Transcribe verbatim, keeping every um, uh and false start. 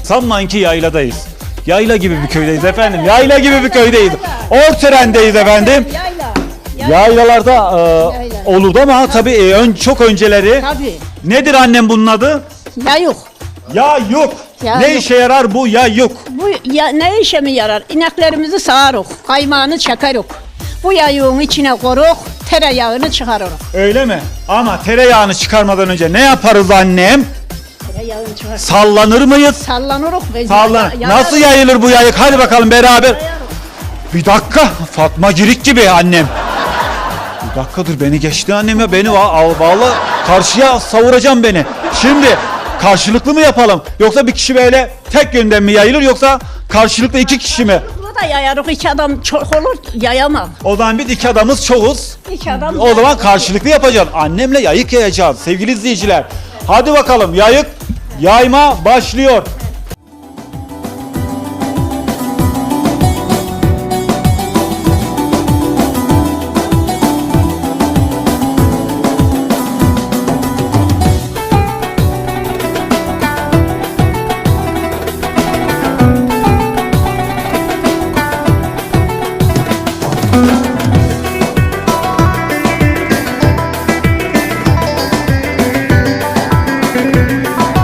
Sanmayın ki yayladayız. Yayla gibi bir köydeyiz efendim. Yayla gibi bir köydeyiz. Ortören'deyiz efendim. Yayla. Yaylalarda e, olurdu ama tabii e, ön, çok önceleri. Tabii. Nedir annem bunun adı? Ya yok. Ya yok. Ya ne yok. işe yarar bu ya yok? Bu ya, ne işe mi yarar? İneklerimizi sağarız, kaymağını çakarız. Bu yayığın içine koruk, tereyağını çıkarırız. Öyle mi? Ama tereyağını çıkarmadan önce ne yaparız annem? Tereyağını çıkarırız. Sallanır mıyız? Sallanırız. ve Sallan. ya- Nasıl yayarız. yayılır bu yayık? Hadi bakalım beraber. Yayarız. Bir dakika. Fatma Girik gibi annem. Bir dakika dur beni geçti annem ya. Beni va- vallahi karşıya savuracağım beni. Şimdi karşılıklı mı yapalım? Yoksa bir kişi böyle tek yönden mi yayılır yoksa karşılıklı iki kişi mi? Bu da yayarız. İki adam çok olur, yayamam. O zaman biz iki adamız çoğuz. İki adam O zaman yayarız. karşılıklı yapacağız. Annemle yayık yayacağız sevgili izleyiciler. Hadi bakalım yayık yayma başlıyor.